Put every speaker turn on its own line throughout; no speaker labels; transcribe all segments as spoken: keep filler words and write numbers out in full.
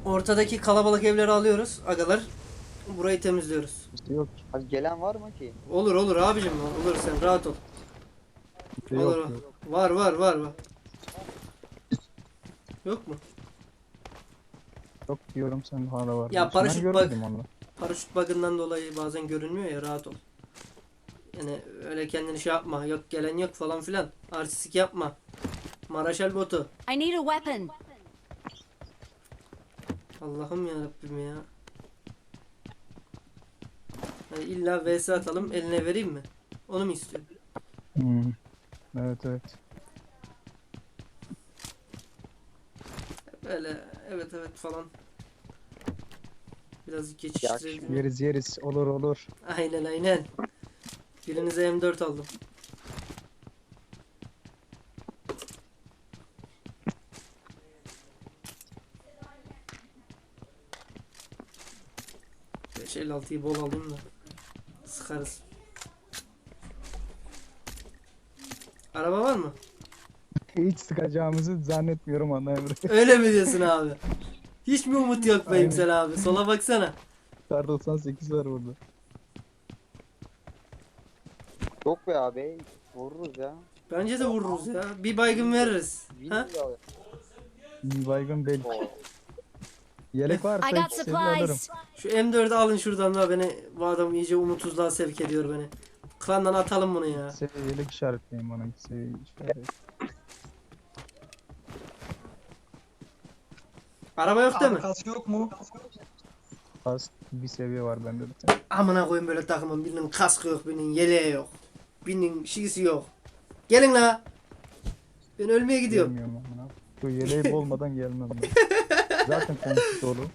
Ortadaki kalabalık evleri alıyoruz agalar. Burayı temizliyoruz.
Yok.
Abi gelen var mı ki?
Olur olur abicim, olur, sen rahat ol.
Yok
Olur.
yok.
Var var var var. Yok mu?
Yok diyorum sen hala var.
Ya
diyorsun.
paraşüt
Ben
bak-
görmedim onu.
Paraşüt bug'ından dolayı bazen görünmüyor ya, rahat ol. Yani öyle kendini şey yapma. Yok gelen yok falan filan. Artistik yapma. Maraşal botu.
I need a weapon.
Allah'ım ya Rabbim ya. Yani illa V S atalım, eline vereyim mi? Onu mu istiyor?
Hmm. Evet evet.
Böyle evet evet falan. Biraz
Ya,
geçiştirelim.
Yeriz yeriz. Olur olur.
Aynen aynen. Birinize M dört aldım. beş elli altıyı bol alayım da sıkarız. Araba var mı?
Hiç sıkacağımızı zannetmiyorum ana Emre.
Öyle mi diyorsun abi? Hiç mi umut yok be
Aynen.
İmsel abi? Sola baksana.
Kar doksan sekiz var burada.
Yok be abi. Vururuz ya.
Bence de vururuz ya. Bir baygın veririz.
Win
Ha?
bile alır.
Bir baygın belki.
Oo.
Yelek varsa
I got
iki seviye alırım.
supplies.
Şu M dördü alın şuradan da, beni bu adam iyice umutsuzluğa sevk ediyor beni. Klandan atalım bunu ya.
Seviye yelek işaretleyeyim bana. İki seviye işaret.
Araba yok değil mi?
Kask yok mu?
Az bir seviye var bende bir tane.
Amına koyayım böyle takımın, birinin kaskı yok, birinin yeleği yok. Birinin şişisi yok. Gelin la. Ben ölmeye gidiyorum.
Gelmiyorum amına. Bu yeleği olmadan gelmem ben. Zaten konuştuk oğlum.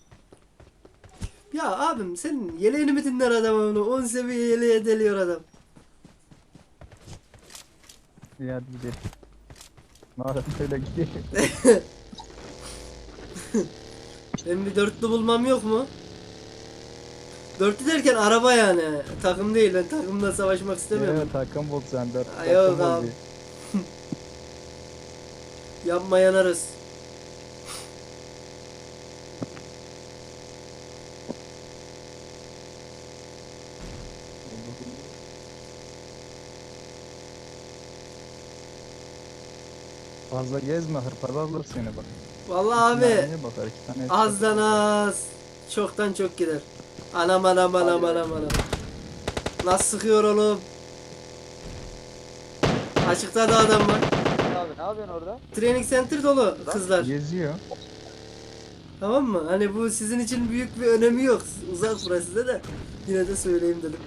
Ya abim senin yeleğini mi dinler adam onu? on seviye yeleğe deliyor adam.
İyi hadi gidelim. Madem öyle gidelim.
Benim bir dörtlü bulmam yok mu? Dörtlü derken araba yani. Takım değil. Ben takımla savaşmak istemiyorum.
Evet takım bul sen dört.
Ay, yok
takım bul
abi.
bir.
Yapma yanarız.
Fazla gezme hırpalarlar seni bak.
Vallahi abi.
Mermiye bakar, iki tane
Azdan az. Çoktan çok gider. Anam anam anam anam anam. Nasıl sıkıyor oğlum? Açıkta da adam var.
Abi ne yapıyorsun orada?
Training center dolu kızlar.
geziyor.
Tamam mı? Hani bu sizin için büyük bir önemi yok. Uzak burası size de. Yine de söyleyeyim dedim.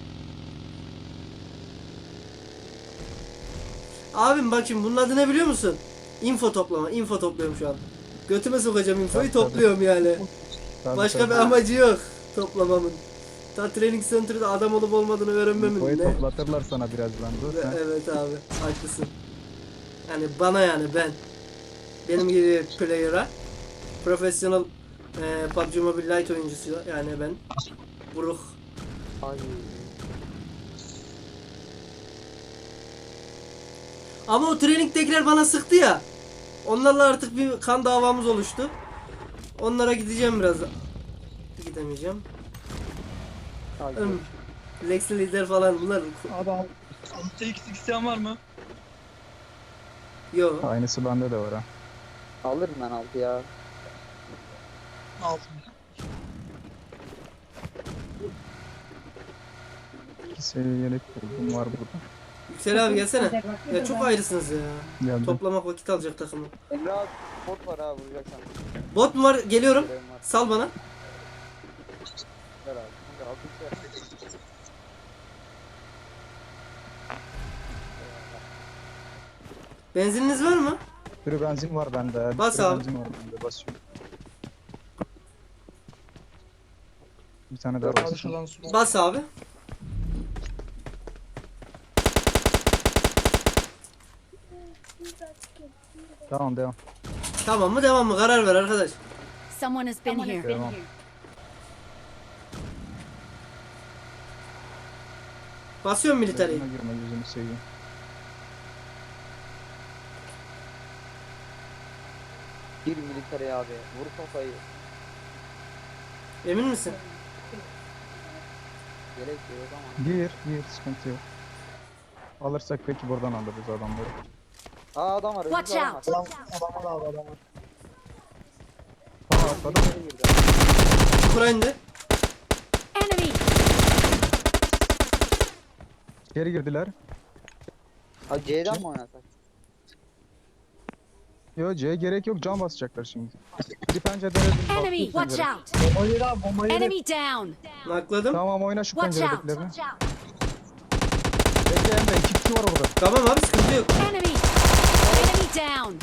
Abim bak şimdi bunun adı ne biliyor musun? Info toplama. Info topluyorum şu an. Götüme sokacağım infoyu,
Tabii, tabii.
topluyorum yani.
Tabii,
Başka
tabii.
bir amacı yok toplamamın. Ta training center'da adam olup olmadığını öğrenmemin.
Boyu
Ne?
toplatırlar sana birazdan dur sen.
Evet abi, haklısın. Yani bana, yani ben. Benim gibi player'a. Professional e, P U B G Mobile Lite oyuncusu yani ben. Buruk.
Ay.
Ama o training'tekiler bana sıktı ya. Onlarla artık bir kan davamız oluştu. Onlara gideceğim biraz. Gidemeyeceğim.
Ay.
Hım. Lex lider falan bunlar.
Abi al. altı x isteyen var mı?
Yo.
Aynısı bende de var ha.
Alırım ben altı ya.
Altı.
İki seviye yelek buldum var burada.
Yüksel abi gelsene. Ya çok ayrısınız ya.
Geldim.
Toplamak vakit alacak takımı.
Emre abi bot var ha vuracaksan.
Bot mu var? Geliyorum.
Görevim var.
Sal bana.
Ver abi. Kanka altı ver.
Benzininiz var mı?
Bir sürü benzin var bende. Bir
Bas
sürü
abi.
benzin var bende. Basıyorum. Bir tane daha
Abi
basıyorum.
şuradan su.
Bas abi.
Tamam devam.
Tamam mı devam mı? Karar ver arkadaş.
Someone has been here.
Devam.
Basıyorum militariyi.
Benzine girme yüzünü seveyim.
Bir militere abi. Vur kafayı.
Emin misin?
Gerek yok ama.
Gir gir sıkıntı yok. Alırsak peki buradan alırız adamları.
Aa adam var.
Watch
önümüzde adam
out!
var.
Adam, adam var abi adam var.
Aa atladı.
İçeri girdi.
Çukura indi.
Enemy!
Geri girdiler.
Ha C'den mi oynasak?
Yo C'ye gerek yok, can basacaklar şimdi. Bir pencerede bir
Enemy!
bakıyor
Watch
pencere.
out!
Bomba yedi abi bomba yedi.
Enemy down!
Nakladım.
Tamam oyna şu
Watch out!
penceredekilerini. Bekle Emre, iki kişi var orada.
Tamam abi sıkıntı yok.
Enemy! Enemy down!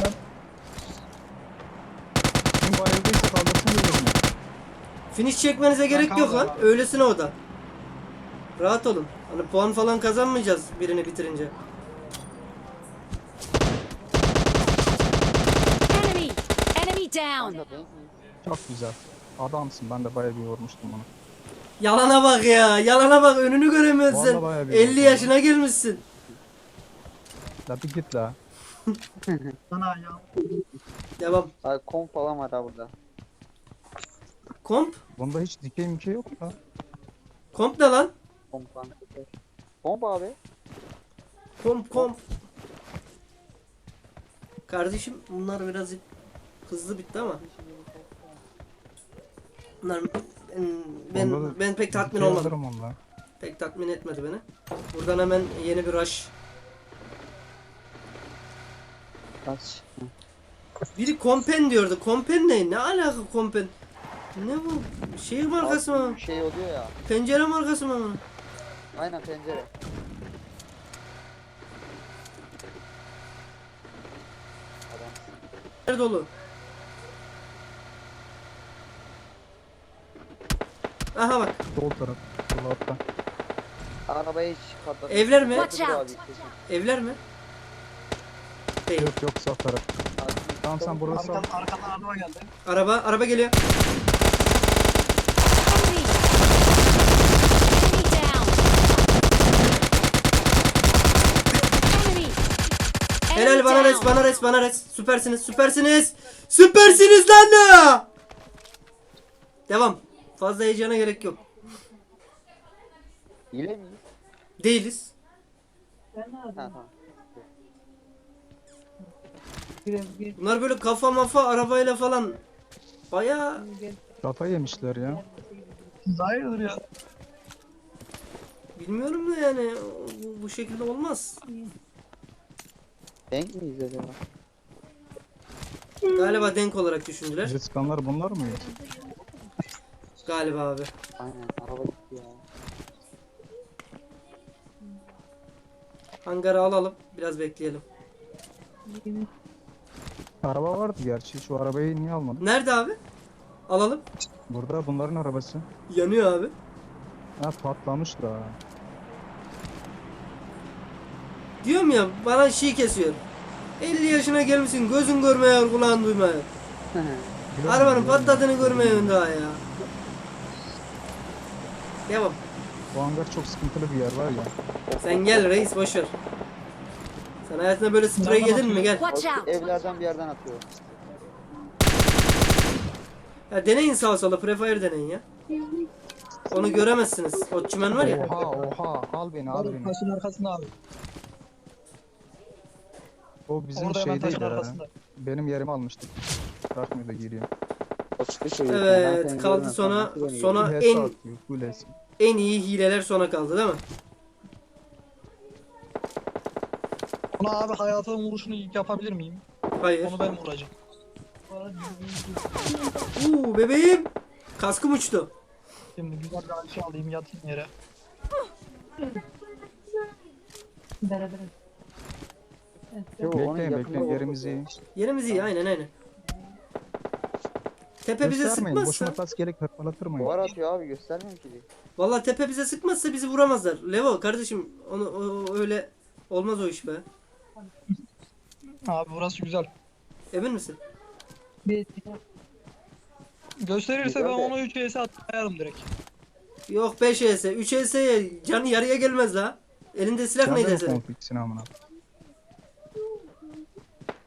Kim bayıldıysa kaldırsın birbirine.
Finish çekmenize gerek yok
kaldım
lan.
abi.
Öylesine o da. Rahat olun. Hani puan falan kazanmayacağız birini bitirince.
Enemy! Enemy down!
Kanka ben
Çok güzel. Adamsın, ben de bayağı bir vurmuştum onu.
Yalana bak ya. Yalana bak, önünü göremiyorsun
Vallahi
sen.
bayağı bir
elli
oldu.
yaşına gelmişsin.
La bir git la.
Sana ya.
Devam.
Abi kom falan var ha burada.
Komp.
Bunda hiç dikey mikey yok ya.
Komp ne lan?
Kom falan. Komp abi.
Komp komp. Kardeşim bunlar biraz hızlı bitti ama. Bunlar ben ben,
Onda da
ben pek tatmin
dikey
olmadım.
alırım onunla.
Pek tatmin etmedi beni. Buradan hemen yeni bir rush.
Kaç.
Biri kompen diyordu. Kompen ne? Ne alaka kompen? Ne bu? Şey markası mı?
Abi, şey oluyor ya.
Pencere markası mı?
Aynen pencere. Adam.
Nerede dolu? Aha bak.
Sol taraf. Sol altta.
Arabaya hiç patladı.
Evler mi?
Watch
Patladı
out.
abi, kesin.
Evler mi? Değil.
Yok yok sağ taraf.
Abi,
Tamam sen burası al.
Arkadan, arkadan araba geldi.
Araba, araba geliyor.
Enemy! Enemy down! Enemy!
Helal
Enemy
bana res,
down!
bana res, bana res. Süpersiniz, süpersiniz. Süpersiniz lan ya. Devam. Fazla heyecana gerek yok.
hile miyiz?
Değiliz.
Ha tamam.
Bunlar böyle kafa mafa arabayla falan bayağı
Kafa yemişler ya.
Siz hayırdır ya.
bilmiyorum da yani bu, bu şekilde olmaz.
Denk miyiz acaba?
Galiba denk olarak düşündüler.
Bizi sıkanlar bunlar mı?
Galiba abi.
Aynen araba gitti ya.
Hangarı alalım. Biraz bekleyelim.
Araba vardı gerçi. Şu arabayı niye almadın?
Nerede abi? Alalım.
Burada bunların arabası.
Yanıyor abi.
Ha patlamış da.
Diyorum ya bana şey kesiyor. elli yaşına gelmişsin, gözün görmüyor, kulağın duymuyor. Arabanın patladığını görmüyorsun daha ya. Devam.
Bu hangar çok sıkıntılı bir yer var ya.
Sen gel reis, boşver. Sen hayatında böyle sprey yedin mi? Gel.
Watch out!
Evlerden bir yerden atıyor.
Ya deneyin sağa sola, prefire deneyin ya. Onu göremezsiniz. O çimen var ya.
Oha oha al beni al
Abi
beni.
taşın arkasında abi.
O bizim
Orada hemen taşın
şeydeydi ha.
arkasında.
Benim yerimi almıştık. Bırakmıyor da giriyor.
O çıktı şey. Ben
Evet,
seni
kaldı
görmem,
sona
nasıl beni
sona
Bir H S
en
atıyor, full H S.
en iyi hileler sona kaldı değil mi?
Ona abi hayatının vuruşunu yapabilir miyim?
Hayır.
Onu ben vuracağım.
Uuu bebeğim. Kaskım uçtu.
Şimdi güzel bir alçı alayım yatayım yere.
Yo, onun
Bekleyin
yakında
bekleyin
oldu.
yerimiz iyi.
Yerimiz iyi, aynen aynen. Tepe bize
Göstermeyin
sıkmazsa,
boşuna tas gerek hırpalatırmayın.
Duvar atıyor abi göstermiyorum ki.
vallahi tepe bize sıkmazsa bizi vuramazlar. Levo kardeşim, onu o, öyle olmaz o iş be.
Abi burası güzel.
Emin misin?
Gösterirse
Güzel
ben
de.
onu üç S'e atayarım direkt.
Yok beş E S, üç E S'ye canı yarıya gelmez la. Elinde silah
Sen de
neydi
yok
senin?
konfliksin amına.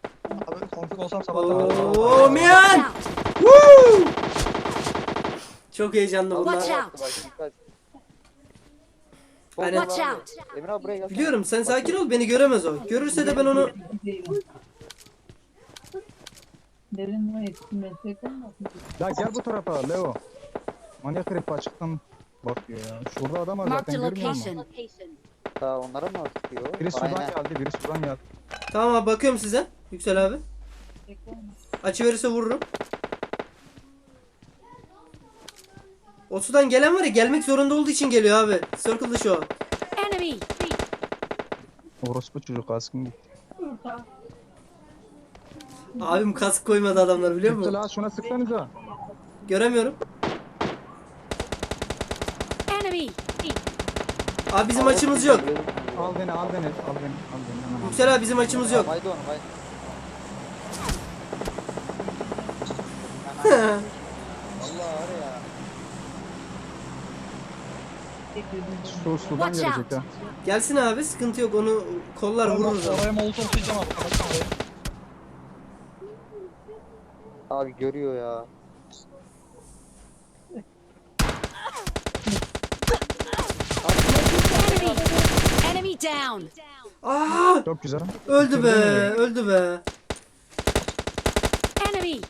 Abi konfig olsam sabahtan
Oo
Watch
miyan!
out!
Woo! Çok heyecanlı
Watch
bunlar.
out.
Bak dikkat.
Aynen.
Bomba
Watch
var.
out.
Emre abi buraya gel.
Biliyorum sen sakin ol, beni göremez o. Görürse de ben onu
Derin var yetişkin meslek olmasın.
Ya gel bu tarafa Leo. Manyak herif açıktan bakıyor ya. Şurada adam var
Marked
zaten
a
görmüyor musun?
location.
Daha onlara mı sıkıyor?
Biri sudan
Aynen.
geldi, biri sudan geldi.
Tamam abi, bakıyorum size. Yüksel abi. Açı verirse vururum. O sudan gelen var ya, gelmek zorunda olduğu için geliyor abi. Circle dışı o.
Enemy.
Orospu çocuk askın gitti.
Abim kask koymadı adamlar, biliyor musun?
Yüksel ağa şuna sıksanıza.
Göremiyorum.
Enemy.
Abi bizim açımız yok.
Al beni, al beni, al beni, al beni. Aman, aman.
Yüksel abi bizim açımız yok.
Haydi onu haydi. Allah var ya.
Su, sudan
Watch
gelecek
out.
ha.
Gelsin abi, sıkıntı yok, onu kollar vururuz.
Oraya molotof atacağım abi. Kapatın orayı.
Abi görüyor ya.
Enemy. Enemy down.
Aa,
Çok güzel.
öldü be, öldü be.
Enemy.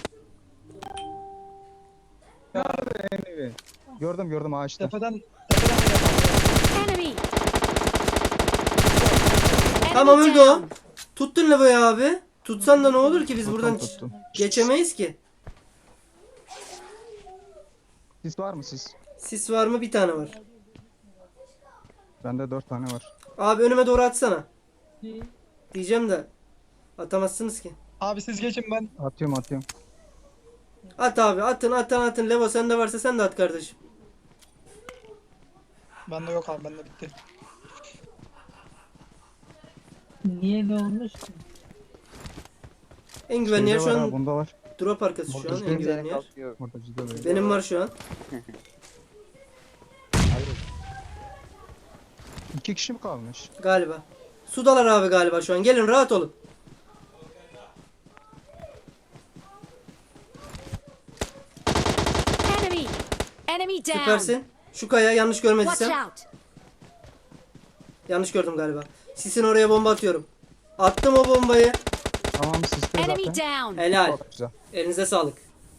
Anyway. Gördüm gördüm ağaçta.
Tepeden tepeden de yapalım.
Enemy.
Tamam,
Enemy
öldü o.
down.
Tuttun Levo'yu abi. Tutsan da ne olur ki, biz
Tuttum,
buradan
tuttum.
geçemeyiz ki.
Sis var mı sis?
Sis var mı? Bir tane var.
Bende dört tane var.
Abi önüme doğru atsana. Diyeceğim de atamazsınız ki.
Abi siz geçin ben.
Atıyorum atıyorum.
At abi, atın atın atın. Levo sende varsa sen de at kardeşim.
Bende yok abi, bende bitti.
Niye de olmuş ki?
En güvenli yer
Şeyde
şu
var ha,
an
bunda var.
drop arkası şu an, en
Bizden
güvenli yer.
Kalkıyor.
Burada cidden öyle.
Benim var şu an.
İki kişi mi kalmış?
Galiba. Sudalar abi galiba şu an. Gelin rahat olun.
Enemy. Enemy down.
Süpersin. Şu kaya, yanlış
Watch
görmediysem.
out.
Yanlış gördüm galiba. Sisin oraya bomba atıyorum. Attım o bombayı.
Tamam siste
Enemy
zaten.
down.
Helal.
Çok güzel.
Elinize sağlık.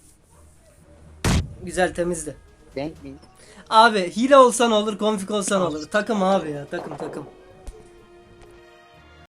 Güzel, temizdi.
Denk miyiz?
Abi hile olsan olur, konfig olsan olur. Takım abi ya, takım takım.